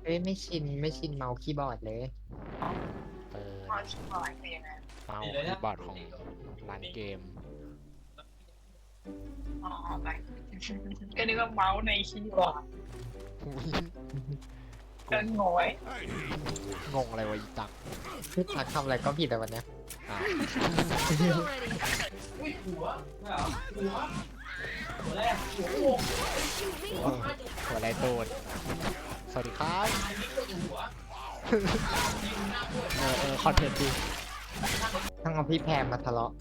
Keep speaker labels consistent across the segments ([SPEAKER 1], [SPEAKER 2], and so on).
[SPEAKER 1] เอ้ยไม่ชินเมาส์คีย์บอร์ดเลย
[SPEAKER 2] เปิด
[SPEAKER 3] พอชิบอยคือยังไง
[SPEAKER 2] เมาส์คีย์บอร์ดของร้านเกม
[SPEAKER 3] อ๋อไปก็นึกว่าเมาส์ในคีย์บอร์ดก็งงไว้
[SPEAKER 2] งงอะไรวะอีตัก
[SPEAKER 1] พี่ทักทำอะไรก็ผิดแต่วันเนี้ย
[SPEAKER 2] อ่ะ หัวไรโตดสวัสดีครับคอนเทนต์ดี
[SPEAKER 1] ต้องเอาพี่แพรมาทะเลาะ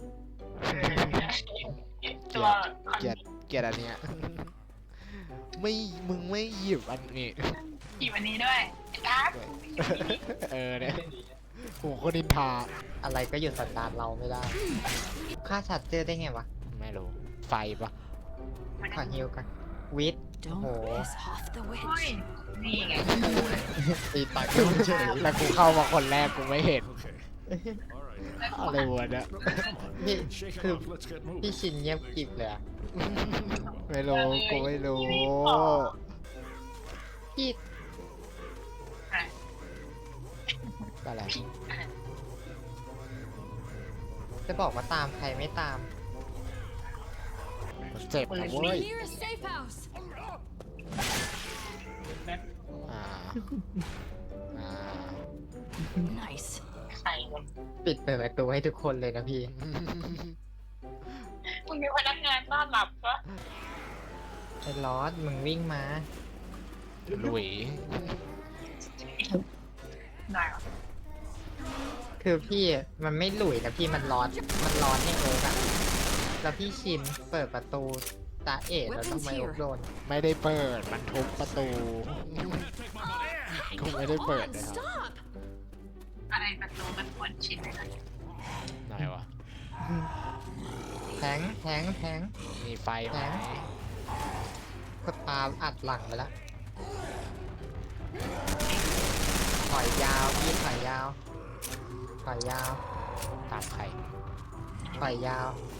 [SPEAKER 2] เกลียดเกลียดเกลียดอันเนี้ยไม่มึงไม่หยิบอันนี้
[SPEAKER 3] อีวันนี้ด้วยครับ
[SPEAKER 2] เนี่ยโหคนนินทา
[SPEAKER 1] อะไรก็หยุดสันดานเราไม่ได้ค่าชัดเจอได้ไงวะ
[SPEAKER 2] ไม่รู้ไฟปะ
[SPEAKER 1] ขอฮิวกันวิทย์โห
[SPEAKER 4] Don't piss off the
[SPEAKER 3] เฮ้ย
[SPEAKER 4] witch.
[SPEAKER 3] นี่ไง
[SPEAKER 1] ตีปากเฉย
[SPEAKER 2] แล้วกูเข้ามาคนแรกกูไม่เห็นอะไรวะเนี่ย
[SPEAKER 1] พี่คือพี่ชินเงียบกริบเลยอะ
[SPEAKER 2] ไม่รู้กูไม่รู้
[SPEAKER 1] พี่
[SPEAKER 2] อะไร
[SPEAKER 1] จะบอกว่าตามใครไม่ตาม
[SPEAKER 2] เจ็บนะเว้ย
[SPEAKER 4] Near a safe house.
[SPEAKER 2] อ่าอ่า
[SPEAKER 4] Nice.
[SPEAKER 3] ใครวะ
[SPEAKER 1] ปิดเปิดประตูให้ทุกคนเลยนะพี่
[SPEAKER 3] มึงมีพนักงานต้อนรับปะ
[SPEAKER 1] ไอ้ลอสมึงวิ่งมา
[SPEAKER 2] หลุย
[SPEAKER 3] ได้เหรอ
[SPEAKER 1] คือพี่มันไม่หลุยนะพี่มันร้อนให้โอ๊กอะแล้วพี่ชินเปิดประตูตาเอ๋แล้วทำไมโอ๊กโดน
[SPEAKER 2] ไม่ได้เปิดมันทุบประตูกูไม่ได้
[SPEAKER 4] Come
[SPEAKER 2] เปิด
[SPEAKER 4] on,
[SPEAKER 2] นะครับ
[SPEAKER 4] stop.
[SPEAKER 3] อะไรประตูมันควรชินเลยนะ
[SPEAKER 2] ไหนวะ
[SPEAKER 1] แทง
[SPEAKER 2] มีไฟไหม
[SPEAKER 1] ก็ตามอัดหลังไปแล้วถอยยาวพี่ถอยยาว
[SPEAKER 2] ตามใคร
[SPEAKER 1] ถอยยาว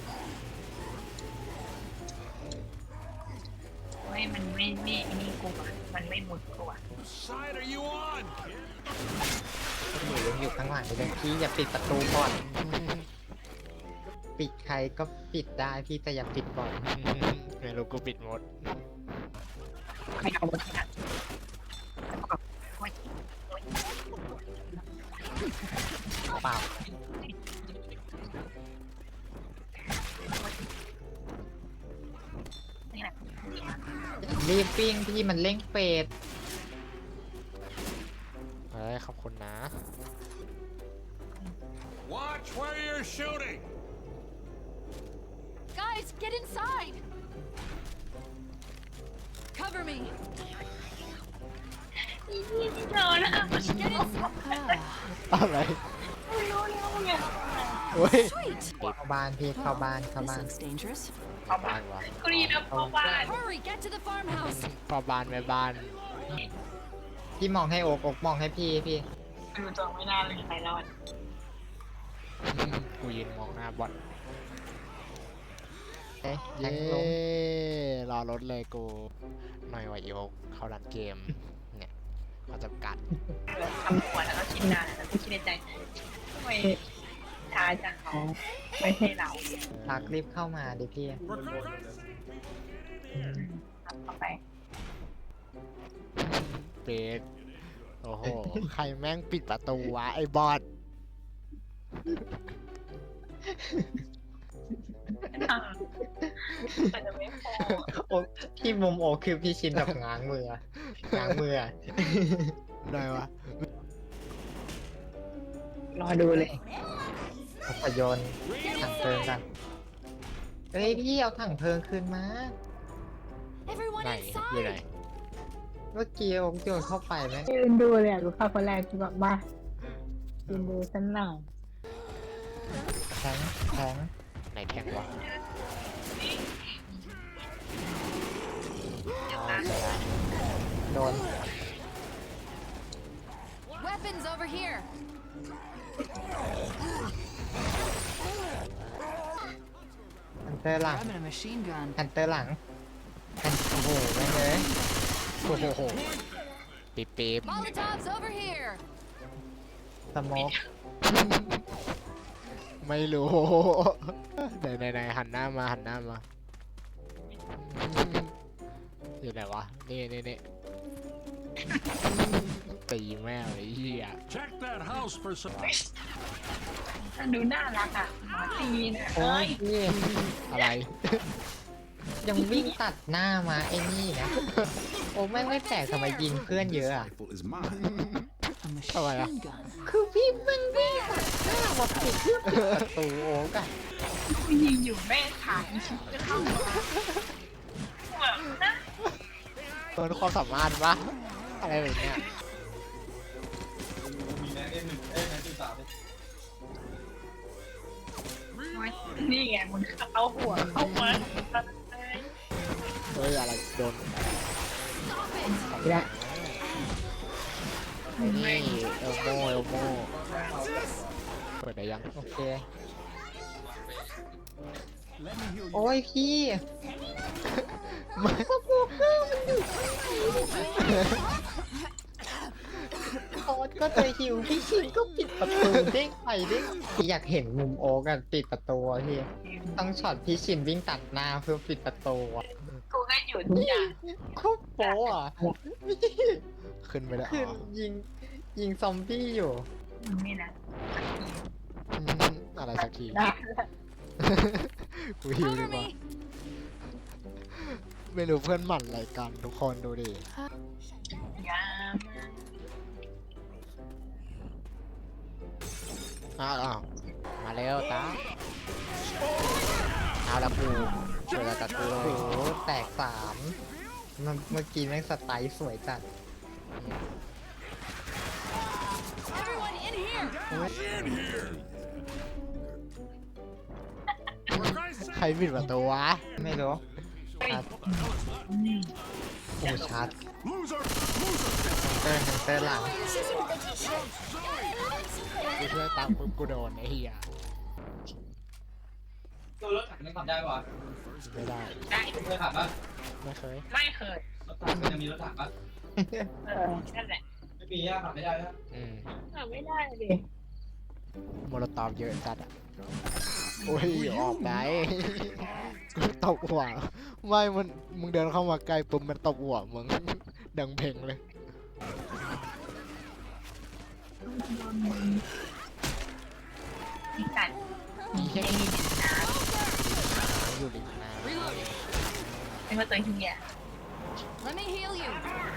[SPEAKER 3] ไม่มันไม่นี่กูอะมันไม่มุดกูอะ
[SPEAKER 5] Side are you on?
[SPEAKER 1] หนูยังอยู่ข้างหลังเลยพี่อย่าปิดประตูก่อน ปิดใครก็ปิดได้พี่แต่อย่าปิดก่อน
[SPEAKER 2] ไม่รู้กูปิดหมด
[SPEAKER 3] ไม่เอาหมดนะโอ๊ย
[SPEAKER 1] เปล่า
[SPEAKER 3] นี่แหละ
[SPEAKER 1] รีบปิ้งพี่มันเร่งเฟด
[SPEAKER 2] เฮ้ยขอบคุณนะ
[SPEAKER 5] Watch where you're shooting.
[SPEAKER 4] Guys, get inside. Cover me.
[SPEAKER 3] นี่โดนแล้ว
[SPEAKER 4] Get inside.
[SPEAKER 2] อะไร
[SPEAKER 3] ไม่รู้แล้วไง
[SPEAKER 2] เฮ้ย
[SPEAKER 4] Sweet.
[SPEAKER 1] เข้าบ้านพี่เข้าบ้าน
[SPEAKER 4] This looks dangerous.
[SPEAKER 3] เอาบ้า
[SPEAKER 2] บ้าน นวะ
[SPEAKER 3] กูรีบเข้าบ้าน
[SPEAKER 4] Hurry, get to the farmhouse.
[SPEAKER 2] พ่อบ้านแม่บ้าน
[SPEAKER 1] พี่มองให้โอ๊กมองให้พี่
[SPEAKER 3] ดูตัวไม่น่าเลยใครรอด
[SPEAKER 2] กูยืนมองหน้าบอล
[SPEAKER 1] เอ๊ะแท
[SPEAKER 2] เย้
[SPEAKER 1] งลง
[SPEAKER 2] รอรถเลยกูหน่อยว่าอีโอเข้าร้านเกม เนี่ยเขาจำกัด
[SPEAKER 3] ทำหัวแล้วก็คิดนานแล้วก็คิดในใจทำไมช้าจังเขาไม่ให้เรา
[SPEAKER 1] ทักรีบเข้ามาดิพี่
[SPEAKER 3] เข้าไป
[SPEAKER 2] เป็ดโอ้โห ใครแม่งปิดประตูวะ ไอ้บอส
[SPEAKER 3] แต่จะไม่พอ
[SPEAKER 1] โอ๊กพี่มุมโอ๊กคือพี่ชินแบบง้างมืออะ
[SPEAKER 2] ได้วะ
[SPEAKER 3] รอดูเลย
[SPEAKER 1] เอาพยนต์ถังเพลิงกันเฮ้ยพี่เอาถังเพลิงคืนมา
[SPEAKER 4] Everyone
[SPEAKER 2] ไหนอยู่ไหน
[SPEAKER 4] inside.
[SPEAKER 1] เมื่อกี้โอ๊กโยนเข้าไปไหม
[SPEAKER 3] ยืนดูเลยอ่ะกูเข้าคนแรกกูแบบมายืนดูฉันหน่อย
[SPEAKER 1] แทง
[SPEAKER 2] ไหนแทงวะ
[SPEAKER 1] เอาไปละโดน
[SPEAKER 4] Weapons over here.
[SPEAKER 1] ฮันเตอร์หลัง
[SPEAKER 4] Grabbing a machine gun.
[SPEAKER 1] ฮันเตอร์หลังโอ้โหแม่งเลย
[SPEAKER 2] โอ้โหปี๊บปี๊บ
[SPEAKER 4] Molotovs over here.
[SPEAKER 1] สโมก
[SPEAKER 2] ไม่รู้ไหนหันหน้ามาอยู่ไหนวะนี่ตีแม่เลยเหี้ย
[SPEAKER 5] Check that house for some.
[SPEAKER 3] มันดูน่ารักอ่ะหมอตีนะ
[SPEAKER 1] โอ้
[SPEAKER 3] เอ้
[SPEAKER 1] ย
[SPEAKER 3] ย
[SPEAKER 1] พี่
[SPEAKER 2] อะไร
[SPEAKER 1] ยังวิ่งตัดหน้ามาไอ้นี่นะ โอ้แม่งไม่แปลกทำไมยิงเพื่อนเยอะอ่ะ
[SPEAKER 5] Rifle is mine.
[SPEAKER 4] A
[SPEAKER 2] Oh, yeah.
[SPEAKER 4] machine gun.
[SPEAKER 1] คือพี่แม่งวิ่งตัดหน้ามาปิดเพื่อปิดประตูโอ๊กอะ
[SPEAKER 3] กูยิงอยู่แม่ขาอีชิบจะเข้ามาเหมือนนะ
[SPEAKER 2] เปิดความสามารถปะอะไรแบบเนี้ย
[SPEAKER 3] โอ๊ยนี่ไงมึงเอาหัวเข้ามา
[SPEAKER 2] เฮ้ยอะไรโดน
[SPEAKER 1] และ
[SPEAKER 2] นี่เอลโมเปิดได้ยัง
[SPEAKER 1] โอเค โอ้ยพี่สโมกเกอร์มันอยู่ข้างในโอ๊ตก็จะหิวพี่ชินก็ปิดประตูเด้งไปเด้งอยากเห็นมุมโอ๊กอะปิดประตูอะพี่ต้องช็อตพี่ชินวิ่งตัดหน้าเพื่อปิดประตูอะ
[SPEAKER 3] กูก็หยุดทุกอย่าง
[SPEAKER 1] โคตรโป๊ะอะพี่
[SPEAKER 2] ขึ้นไปแล้ว
[SPEAKER 1] คือยิงซอมบี้อยู่
[SPEAKER 3] มึงนี่นะ
[SPEAKER 2] อะไรสักที
[SPEAKER 3] ได้
[SPEAKER 2] กูหิวดี
[SPEAKER 4] Cover
[SPEAKER 2] กว่า
[SPEAKER 4] me.
[SPEAKER 2] ไม่รู้เพื่อนหมั่นอะไรกันทุกคนดูดิ
[SPEAKER 3] ยา
[SPEAKER 2] อ้าวมาเร็วตาเอาละกูช่วยกับกู
[SPEAKER 1] โอ้โหแตกสามเมื่อกี้แม่งสไตล์สวยจัด
[SPEAKER 4] Everyone in here.
[SPEAKER 5] In here. For Christ's
[SPEAKER 2] ใคร
[SPEAKER 5] sake.
[SPEAKER 2] ปิดประตูวะ
[SPEAKER 1] ไม่รู้ครับ
[SPEAKER 3] นี่
[SPEAKER 1] โอ้ชัด
[SPEAKER 5] Loser.
[SPEAKER 1] เตอร์หลัง
[SPEAKER 2] กูช่วยตังปุ๊บกูโดนไอ้เหี้ย
[SPEAKER 6] ตัวรถถังยังขับได้ปะ
[SPEAKER 2] ไม่ได้
[SPEAKER 3] ได้
[SPEAKER 6] เคยขับปะ
[SPEAKER 2] ไม่เคย
[SPEAKER 3] ไม่เคย
[SPEAKER 6] รถถังมันจะมีรถถังปะ
[SPEAKER 3] นั่นแหละ
[SPEAKER 6] ไม่มีอะขับไม่ได้นะ
[SPEAKER 3] ไม่ได้ดิ
[SPEAKER 2] โมโลตอฟเยอะจัดอ่ะโอ้ยออกไปกูตบหัวไม่มึงเดินเข้ามาใกล้ปุ๊บมันตบหัวมึงดังเพลงเลย
[SPEAKER 3] มีกัดมีแค่นี้นะ
[SPEAKER 2] อยู่ริมน้
[SPEAKER 4] Reloading.
[SPEAKER 3] เป็นว่าตัวเฮีย
[SPEAKER 4] Let me heal you.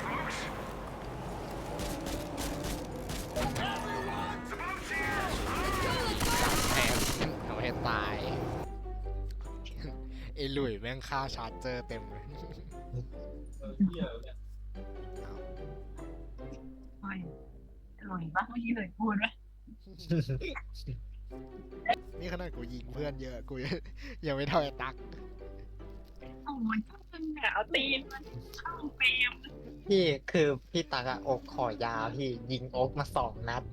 [SPEAKER 2] ำแทงเอาให้ตายไอ้หลุยแม่งฆ่าชาร์เจอร์เต็มเลย
[SPEAKER 6] เที่ยวเนี่ย
[SPEAKER 3] โอ้ยหลุยปะเมื่อกี้หลุยพูดปะ
[SPEAKER 2] นี่ขนาดกูยิงเพื่อนเยอะกูยังไม่เท่าไอ้ตัก
[SPEAKER 3] โอ้ยมึงอะเอาตีนมันเข้าเฟรม
[SPEAKER 1] พี่คือพี่ตักอะอกขอยาวพี่ยิงอกมา2 นัด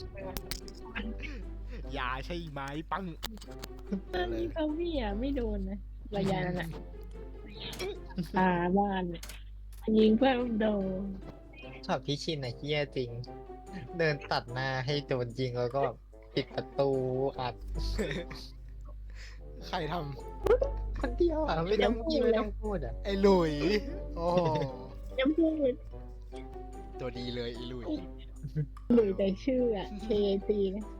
[SPEAKER 2] ยาใช่ไหมปัง
[SPEAKER 7] ตอนนี้เขาพี่อ่ะไม่โดนนะระยะนั้นอ่ะบ้านเนี่ยยิงเพื่อนโดน
[SPEAKER 1] ช็อตพี่ชินอะเฮี้ยจริง เดินตัดหน้าให้โดนยิงแล้วก็แบบปิดประตูอัด
[SPEAKER 2] ใครท
[SPEAKER 1] คนเดียวอะไม่ต้องยิงไม่ต้องพูดอะ
[SPEAKER 2] ำไอ้หลุยโอ้โห
[SPEAKER 7] ยังพูด
[SPEAKER 2] ตัวดีเลยไอ้หลุย
[SPEAKER 7] หรือแต่ชื่ออ่ะ KT นะ